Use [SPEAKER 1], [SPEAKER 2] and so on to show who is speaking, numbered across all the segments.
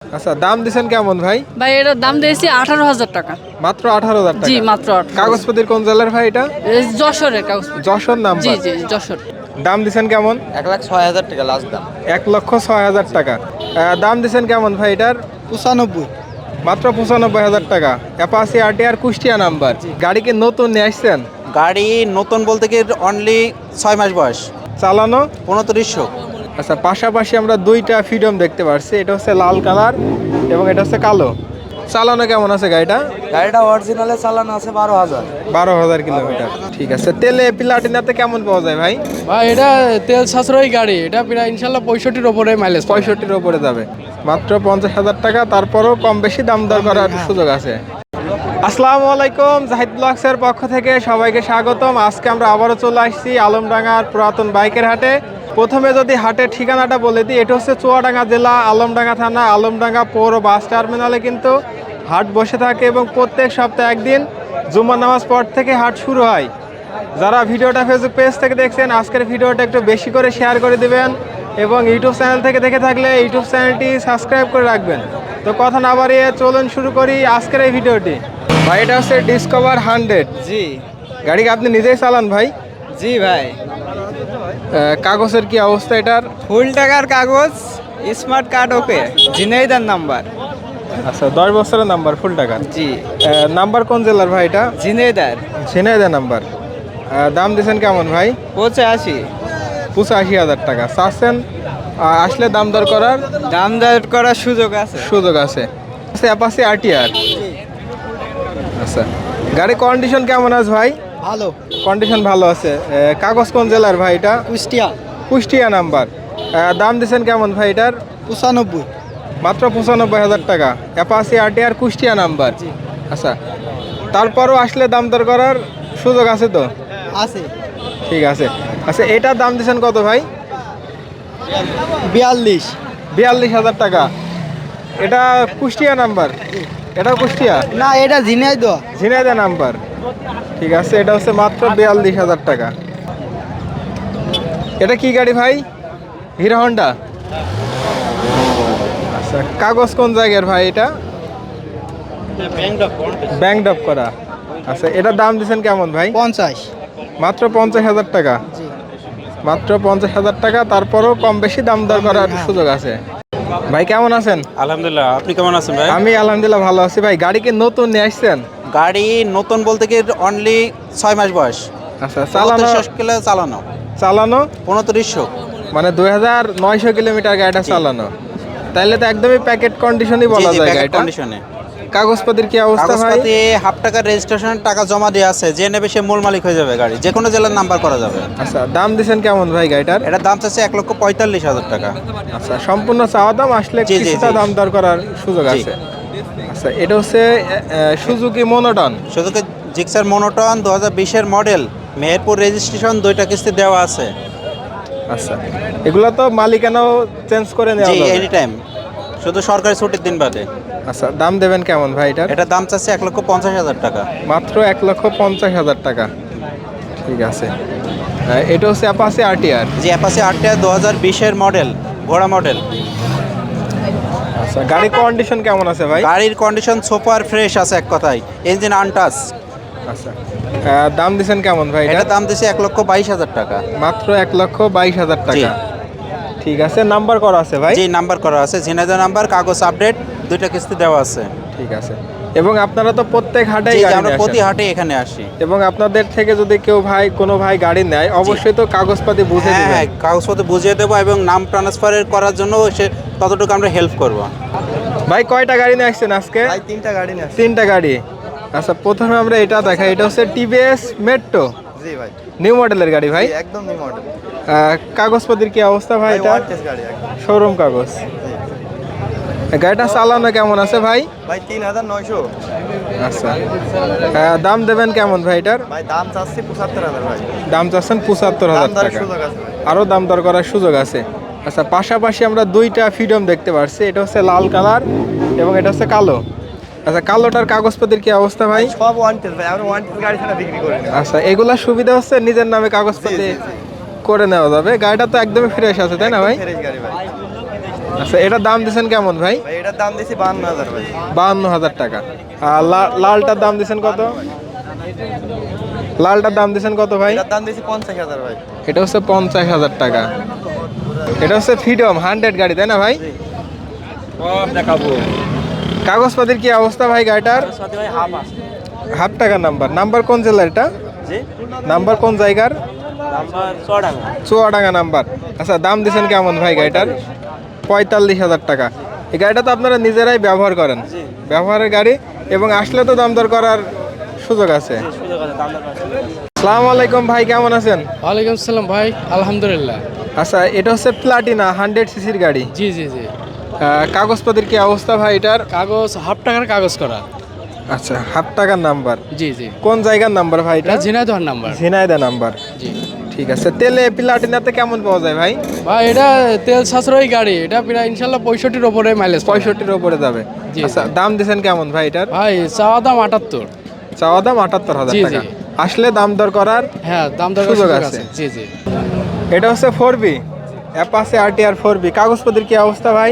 [SPEAKER 1] আচ্ছা, দাম দিছেন কেমন ভাই?
[SPEAKER 2] ভাই এটার দাম দিয়েছি 18,000 টাকা।
[SPEAKER 1] মাত্র 18,000 টাকা?
[SPEAKER 2] জি মাত্র 18,000।
[SPEAKER 1] কাগজপত্রের কোন জেলার ভাই এটা?
[SPEAKER 2] যশোরের কাগজ।
[SPEAKER 1] যশোর
[SPEAKER 2] জি
[SPEAKER 1] নাম্বার?
[SPEAKER 2] জি যশোর।
[SPEAKER 1] দাম দিছেন কেমন?
[SPEAKER 3] 1,06,000 টাকা লাস্ট দাম।
[SPEAKER 1] 1,06,000 টাকা। দাম দিছেন কেমন ভাই এটার?
[SPEAKER 3] 95।
[SPEAKER 1] মাত্র 95,000 টাকা। Apache RTR Kushtia number. গাড়ি কি নতুন নিয়ে আসছেন?
[SPEAKER 3] গাড়ি নতুন বলতে কি অনলি 6 মাস বয়স।
[SPEAKER 1] চালানো?
[SPEAKER 3] 2900।
[SPEAKER 1] আচ্ছা, পাশাপাশি আমরা দুইটা ফ্রিডম দেখতে পাচ্ছি, এটা হচ্ছে লাল কালার এবং এটা হচ্ছে কালো। চালানো কেমন আছে গাড়িটা?
[SPEAKER 3] গাড়িটা অরিজিনালে চালানো আছে 12,000।
[SPEAKER 1] 12,000 কিলোমিটার। ঠিক আছে, তেলে প্লাটিনাতে কেমন পাওয়া যায় ভাই?
[SPEAKER 4] ভাই এটা তেল সাশ্রয়ী গাড়ি, এটা প্রায় ইনশাল্লাহ 65-র ওপরে মাইলেজ।
[SPEAKER 1] 65-র উপরে যাবে। মাত্র 50,000 টাকা, তারপরও কম বেশি দাম দর করার সুযোগ আছে। আসসালামু আলাইকুম, জাহিদ ব্লগসের পক্ষ থেকে সবাইকে স্বাগতম। আজকে আমরা আবারও চলে আসছি আলমডাঙ্গার পুরাতন বাইকের হাটে। প্রথমে যদি হাটের ঠিকানাটা বলে দিই, এটা হচ্ছে চুয়াডাঙ্গা জেলা, আলমডাঙ্গা থানা, আলমডাঙ্গা পৌর বাস টার্মিনালে কিন্তু হাট বসে থাকে এবং প্রত্যেক সপ্তাহে একদিন জুম্মার নামাজ পর থেকে হাট শুরু হয়। যারা ভিডিওটা ফেসবুক পেজ থেকে দেখছেন, আজকের ভিডিওটা একটু বেশি করে শেয়ার করে দিবেন এবং ইউটিউব চ্যানেল থেকে দেখে থাকলে ইউটিউব চ্যানেলটি সাবস্ক্রাইব করে রাখবেন। তো কথা না বাড়িয়ে চলুন শুরু করি আজকের এই ভিডিওটি। ভাই এটা হচ্ছে ডিসকভার 100।
[SPEAKER 3] জি
[SPEAKER 1] গাড়ি কি আপনি নিজেই চালান ভাই?
[SPEAKER 3] জি ভাই,
[SPEAKER 1] কাগজের কি অবস্থা এটার?
[SPEAKER 3] ফুল টাকার কাগজ, smart card okay, Jhenaidah number.
[SPEAKER 1] আচ্ছা, 10 বছরের নাম্বার, ফুল টাকা।
[SPEAKER 3] জি
[SPEAKER 1] নাম্বার কোন জেলার ভাই এটা?
[SPEAKER 3] ঝিনাইদহ।
[SPEAKER 1] ঝিনাইদহ নাম্বার। দাম দিয়েছেন কেমন ভাই?
[SPEAKER 3] 85।
[SPEAKER 1] 85,000 টাকা চাচ্ছেন। আসলে দাম দর করার
[SPEAKER 3] দাম দর করার সুযোগ আছে।
[SPEAKER 1] সুযোগ আছে। Apache RTR. আচ্ছা, গাড়ি কন্ডিশন কেমন আছে ভাই?
[SPEAKER 3] ভালো।
[SPEAKER 1] কন্ডিশন ভালো আছে। কাগজ কোন জেলার ভাই এটা?
[SPEAKER 3] কুষ্টিয়া।
[SPEAKER 1] কুষ্টিয়া নাম্বার। দাম দিয়েছেন কেমন ভাই এটার?
[SPEAKER 3] 95।
[SPEAKER 1] মাত্র 95,000 টাকা। Apache RTR Kushtia number. আচ্ছা, তারপরও আসলে দাম দর করার সুযোগ আছে তো?
[SPEAKER 3] আছে।
[SPEAKER 1] ঠিক আছে। আচ্ছা, এটার দাম দিয়েছেন কত ভাই?
[SPEAKER 3] 42।
[SPEAKER 1] 42,000 টাকা। এটা কুষ্টিয়া নাম্বার? এটাও কুষ্টিয়া?
[SPEAKER 3] না, এটা ঝিনাইদহ।
[SPEAKER 1] ঝিনাইদহ নাম্বার। ঠিক আছে, এটা হচ্ছে মাত্র 42,000 টাকা। এটা কি গাড়ি ভাই? Hero Honda? আচ্ছা, কাগজ কোন জায়গার ভাই এটা? ব্যাংক ডপ করা। আচ্ছা, এটার দাম দিচ্ছেন কেমন ভাই?
[SPEAKER 3] 50।
[SPEAKER 1] মাত্র 50,000 টাকা। মাত্র 50,000 টাকা, তারপরও কম বেশি দাম দর করার সুযোগ আছে। ভাই কেমন আছেন?
[SPEAKER 5] আলহামদুলিল্লাহ, আপনি কেমন আছেন ভাই?
[SPEAKER 1] আমি আলহামদুলিল্লাহ ভালো আছি। ভাই গাড়ি কি নতুন নিয়ে আসছেন?
[SPEAKER 3] গাড়ি নতুন বলতে কি অনলি 6 মাস বয়স।
[SPEAKER 1] আচ্ছা, চালানো?
[SPEAKER 3] 35 কিলো চালানো।
[SPEAKER 1] চালানো
[SPEAKER 3] 2900।
[SPEAKER 1] মানে 2,900 কিলোমিটার গাড়িটা চালানো। তাইলে তো একদমই প্যাকেট কন্ডিশনই বলা যায় গাড়িটা।
[SPEAKER 3] কন্ডিশনে।
[SPEAKER 1] কাগজপত্রের কি অবস্থা ভাই?
[SPEAKER 3] কাগজপাতি হাফ টাকার রেজিস্ট্রেশন টাকা জমা দিয়ে আছে, যে নেবে সে মূল মালিক হয়ে যাবে। গাড়ি যে কোনো জেলার নাম্বার করা যাবে।
[SPEAKER 1] আচ্ছা, দাম দিছেন কেমন ভাই গাড়িটার?
[SPEAKER 3] এটার দাম চাচ্ছে 1,45,000 টাকা।
[SPEAKER 1] আচ্ছা, সম্পূর্ণ চাওয়া দাম, আসলে
[SPEAKER 3] জি, জি,
[SPEAKER 1] কিছুটা
[SPEAKER 3] জি।
[SPEAKER 1] দাম দর করার সুযোগ
[SPEAKER 3] জি।
[SPEAKER 1] আছে। আচ্ছা, এটা হচ্ছে সুজুকি মনোটন।
[SPEAKER 3] শুধু জিক্সার মনোটন 2020-এর মডেল, মেহেরপুর রেজিস্ট্রেশন, 2টা কিস্তি দেওয়া আছে।
[SPEAKER 1] আচ্ছা, এগুলো তো মালিকানাও চেঞ্জ করে নেওয়া
[SPEAKER 3] জি,
[SPEAKER 1] যাবে?
[SPEAKER 3] এনি টাইম, শুধু সরকারি ছুটির দিন বাদে।
[SPEAKER 1] আচ্ছা, দাম দেবেন কেমন ভাই এটার?
[SPEAKER 3] এটার দাম চাচ্ছে 1,50,000 টাকা।
[SPEAKER 1] মাত্র 1,50,000 টাকা। ঠিক আছে। এটা হচ্ছে অ্যাপাচি আরটিআর।
[SPEAKER 3] জি, অ্যাপাচি আরটিআর 2020-এর মডেল, ঘোড়া মডেল।
[SPEAKER 1] আচ্ছা, গাড়ির কন্ডিশন কেমন আছে ভাই?
[SPEAKER 3] গাড়ির কন্ডিশন সুপার ফ্রেশ আছে, এক কথায় ইঞ্জিন আনটাচ।
[SPEAKER 1] আচ্ছা, দাম দিছেন কেমন ভাই এটা?
[SPEAKER 3] এটার দাম দিচ্ছে 1,22,000 টাকা।
[SPEAKER 1] মাত্র 1,22,000
[SPEAKER 3] জি।
[SPEAKER 1] টাকা। ঠিক আছে, নাম্বার করা আছে ভাই?
[SPEAKER 3] জি, নাম্বার করা আছে, ঝিনাইদহ নাম্বার, কাগজ আপডেট, 2টা কিস্তি দেওয়া আছে।
[SPEAKER 1] ঠিক আছে। এবং আপনারা তো প্রত্যেক হাটেই
[SPEAKER 3] জি,
[SPEAKER 1] গাড়ি
[SPEAKER 3] আমরা
[SPEAKER 1] নিয়ে
[SPEAKER 3] প্রতি
[SPEAKER 1] আসেন।
[SPEAKER 3] হাটে এখানে আসি।
[SPEAKER 1] এবং আপনাদের থেকে যদি কেউ কোনো ভাই গাড়ি নেয়, অবশ্যই তো কাগজপাতি বুঝে
[SPEAKER 3] হ্যাঁ,
[SPEAKER 1] দিবেন।
[SPEAKER 3] কাগজপত্র বুঝিয়ে দেবো এবং নাম ট্রান্সফারের করার জন্য সে ততটুকু আমরা হেল্প করব।
[SPEAKER 1] ভাই কয়টা গাড়ি নিয়ে আসছেন আজকে?
[SPEAKER 3] 3টা গাড়ি না।
[SPEAKER 1] 3টা গাড়ি। আচ্ছা, প্রথমে আমরা এটা দেখাই। এটা হচ্ছে টিভিএস মেট্রো,
[SPEAKER 3] জি ভাই,
[SPEAKER 1] নিউ মডেলের গাড়ি ভাই।
[SPEAKER 3] একদম নিউ মডেল।
[SPEAKER 1] কাগজপাতির কি অবস্থা ভাই এটা?
[SPEAKER 3] গাড়ি একদম।
[SPEAKER 1] শোরুম কাগজ। গাড়িটা চালানো কেমন আছে ভাই?
[SPEAKER 3] ভাই 3,900।
[SPEAKER 1] আচ্ছা, দাম দেবেন কেমন ভাই এটার?
[SPEAKER 3] ভাই দাম চাচ্ছি 75,000 ভাই।
[SPEAKER 1] দাম চাচ্ছেন 75,000 টাকা।
[SPEAKER 3] সুযোগ আছে ভাই।
[SPEAKER 1] আরও দাম দর করার সুযোগ আছে। আচ্ছা, পাশাপাশি আমরা দুইটা ফ্রিডম দেখতে পাচ্ছি, এটা হচ্ছে লাল কালার এবং এটা হচ্ছে কালো। আচ্ছা, কালোটার কাগজপত্রের কি অবস্থা ভাই?
[SPEAKER 3] সব ওয়ান্টেড ভাই, আমরা ওয়ান্টেড গাড়ি ছাড়া বিক্রি করি না।
[SPEAKER 1] আচ্ছা, এগুলা সুবিধা হচ্ছে নিজের নামে কাগজপত্র করে নেওয়া যাবে। গাড়িটা তো একদমই ফ্রেশ আছে, তাই না ভাই?
[SPEAKER 3] ফ্রেশ গাড়ি ভাই।
[SPEAKER 1] আচ্ছা, এটার দাম দিচ্ছেন কেমন ভাই?
[SPEAKER 6] ভাই এটার দাম দিয়েছি 52,000 ভাই।
[SPEAKER 1] 52,000 টাকা। আর লালটার দাম দিচ্ছেন কত? লালটার দাম দিচ্ছেন কত ভাই?
[SPEAKER 6] এটার দাম দিয়েছি 50,000 ভাই।
[SPEAKER 1] এটা হচ্ছে 50,000 টাকা। এটা হচ্ছে ফ্রিডম 100 গাড়ি, তাই না ভাই?
[SPEAKER 5] দেখাবো
[SPEAKER 1] কাগজপাতির কি অবস্থা ভাই গাড়িটার?
[SPEAKER 6] সাথে ভাই হাফ আছে।
[SPEAKER 1] হাফ টাকা নাম্বার। নাম্বার কোন জেলার এটা?
[SPEAKER 6] জি
[SPEAKER 1] নাম্বার কোন জায়গার?
[SPEAKER 6] Number 6
[SPEAKER 1] Chuadanga number. আচ্ছা, দাম দিচ্ছেন কেমন ভাই গাড়িটার? 45,000 টাকা। এই গাড়িটা তো আপনারা নিজেরাই ব্যবহার করেন, ব্যবহারের গাড়ি, এবং আসলে তো দাম দর করার সুযোগ আছে।
[SPEAKER 6] সুযোগ আছে, দাম দর আছে।
[SPEAKER 1] আসসালামু আলাইকুম ভাই, কেমন আছেন?
[SPEAKER 4] ওয়ালাইকুম আসসালাম ভাই, আলহামদুলিল্লাহ।
[SPEAKER 1] আচ্ছা, এটা হচ্ছে প্লাটিনা 100 সিসির গাড়ি।
[SPEAKER 4] জি জি জি।
[SPEAKER 1] কাগজপাতির কি অবস্থা ভাই এটার?
[SPEAKER 4] কাগজ হাফ টাকার কাগজ করা।
[SPEAKER 1] আচ্ছা, হাফ টাকার নাম্বার।
[SPEAKER 4] জি জি।
[SPEAKER 1] কোন জায়গার নাম্বার ভাই এটা?
[SPEAKER 4] এটা ঝিনাইদহ নাম্বার।
[SPEAKER 1] ঝিনাইদহ নাম্বার।
[SPEAKER 4] জি
[SPEAKER 1] ঠিক আছে। তেলে প্লাটিনাতে কেমন পাওয়া যায় ভাই?
[SPEAKER 4] ভাই, এটা তেল সাশ্রয়ী গাড়ি, এটা প্রায় ইনশাল্লাহ 65-র উপরে মাইলেজ।
[SPEAKER 1] 65-র উপরে যাবে।
[SPEAKER 4] জি,
[SPEAKER 1] আচ্ছা,
[SPEAKER 4] জি।
[SPEAKER 1] দাম দিচ্ছেন কেমন ভাই এটার?
[SPEAKER 4] ভাই চাওয়া দাম 78।
[SPEAKER 1] চাওয়া দাম 78,000
[SPEAKER 4] জি,
[SPEAKER 1] টাকা।
[SPEAKER 4] জি।
[SPEAKER 1] আসলে দাম দর করার
[SPEAKER 4] হ্যাঁ, দাম দর
[SPEAKER 1] সুযোগ
[SPEAKER 4] সুযোগ
[SPEAKER 1] আছে।
[SPEAKER 4] আছে। জি জি।
[SPEAKER 1] এটা হচ্ছে 4B অ্যাপাচে RTR 4B। কাগজপত্রের কি অবস্থা ভাই?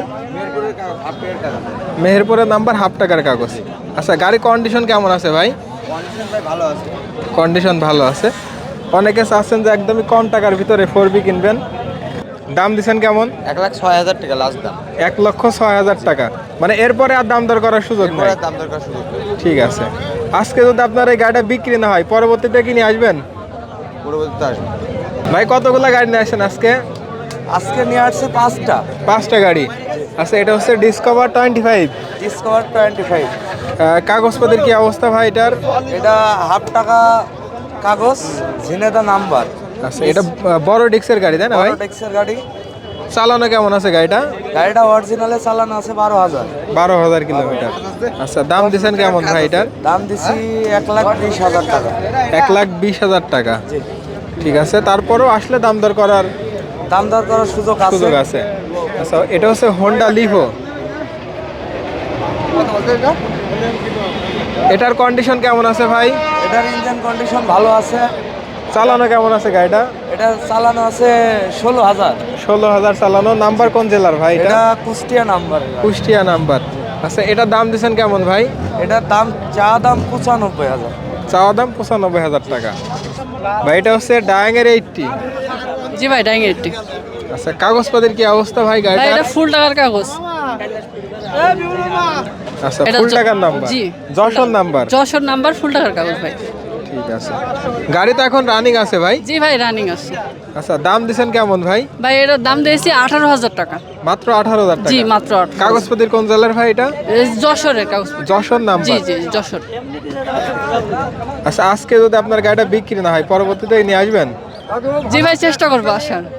[SPEAKER 1] মেহেরপুরের নাম্বার, হাফ টাকার কাগজ। আচ্ছা, গাড়ি কন্ডিশন কেমন আছে ভাই?
[SPEAKER 6] ভালো আছে।
[SPEAKER 1] কন্ডিশন ভালো আছে। অনেকে চাচ্ছেন যে একদমই কম টাকার ভিতরে 4B কিনবেন। দাম দিচ্ছেন কেমন?
[SPEAKER 6] 1,06,000 টাকা লাস্ট দাম।
[SPEAKER 1] 1,06,000 টাকা। মানে এরপরে আর দাম দর করার সুযোগ নেই।
[SPEAKER 6] দাম দরকার সুযোগ নেই।
[SPEAKER 1] ঠিক আছে। আজকে যদি আপনার এই গাড়িটা বিক্রি না হয়, পরবর্তীতে কি নিয়ে আসবেন
[SPEAKER 6] পরবর্তীতে আসবে।
[SPEAKER 1] ভাই? কতগুলো গাড়ি নিয়ে আসেন আজকে?
[SPEAKER 6] আজকে নিয়ে আসছে 5টা।
[SPEAKER 1] 5টা গাড়ি। আচ্ছা, এটা হচ্ছে ডিসকভার 25।
[SPEAKER 6] ডিসকভার 25।
[SPEAKER 1] কাগজপত্রের কি অবস্থা ভাই এটার?
[SPEAKER 6] এটা হাফ টাকা কাগজ, ঝিনেদা নাম্বার।
[SPEAKER 1] আচ্ছা, এটা বড় ডিক্সের গাড়ি, তাই না ভাই?
[SPEAKER 6] ট্যাক্সের গাড়ি।
[SPEAKER 1] চালানো কেমন আছে গাড়িটা?
[SPEAKER 6] গাড়িটা অরিজিনালে চালানো আছে 12,000।
[SPEAKER 1] 12,000 কিলোমিটার। আচ্ছা, দাম দিচ্ছেন কেমন ভাই এটার?
[SPEAKER 6] দাম দিছি 1,20,000 টাকা।
[SPEAKER 1] 1,20,000 টাকা। ঠিক আছে। তারপরেও আসলে দাম দর করার
[SPEAKER 6] দাম দর করার সুযোগ আছে।
[SPEAKER 1] সুযোগ আছে। আচ্ছা, এটা হচ্ছে হোন্ডা লিভো। এটার কন্ডিশন কেমন আছে ভাই?
[SPEAKER 6] এটার ইঞ্জিন কন্ডিশন ভালো আছে।
[SPEAKER 1] চালানো কেমন আছে গাড়িটা?
[SPEAKER 6] এটা চালানো আছে 16,000।
[SPEAKER 1] 16,000 চালানো। নাম্বার কোন জেলার ভাই এটা?
[SPEAKER 6] এটা কুষ্টিয়া নাম্বার।
[SPEAKER 1] কুষ্টিয়া নাম্বার। আচ্ছা, এটার দাম দিচ্ছেন কেমন ভাই?
[SPEAKER 6] এটার দাম চা দাম 95,000।
[SPEAKER 1] চাওয়া দাম 95,000 টাকা। ভাই, এটা হচ্ছে ডায়াঙের 80।
[SPEAKER 2] জি ভাই, ডাইং 80।
[SPEAKER 1] আচ্ছা, কাগজপত্রের কি অবস্থা ভাই
[SPEAKER 2] ভাই
[SPEAKER 1] গাড়িটা?
[SPEAKER 2] এটা ফুল টাকার কাগজ।
[SPEAKER 1] আচ্ছা,
[SPEAKER 2] এটা
[SPEAKER 1] ফুল টাকার নাম্বার।
[SPEAKER 2] জি।
[SPEAKER 1] Jessore number.
[SPEAKER 2] Jessore number, full টাকার কাগজ ভাই।
[SPEAKER 1] ঠিক আছে। গাড়ি তো এখন রানিং আছে ভাই?
[SPEAKER 2] জি ভাই, রানিং আছে।
[SPEAKER 1] আচ্ছা, দাম দিচ্ছেন কেমন ভাই?
[SPEAKER 2] ভাই এটার দাম দিয়েছি 18,000 টাকা।
[SPEAKER 1] মাত্র 18,000 টাকা।
[SPEAKER 2] জি, মাত্র 18,000।
[SPEAKER 1] কাগজপত্রের কোন জেলার ভাই এটা?
[SPEAKER 2] যশোরের কাগজ।
[SPEAKER 1] যশোর
[SPEAKER 2] জি
[SPEAKER 1] নাম্বার।
[SPEAKER 2] জি, যশোর।
[SPEAKER 1] আচ্ছা, আজকে যদি আপনার গাড়িটা বিক্রি না হয়, পরবর্তীতে নিয়ে আসবেন?
[SPEAKER 2] জি ভাই, চেষ্টা করবো আসার।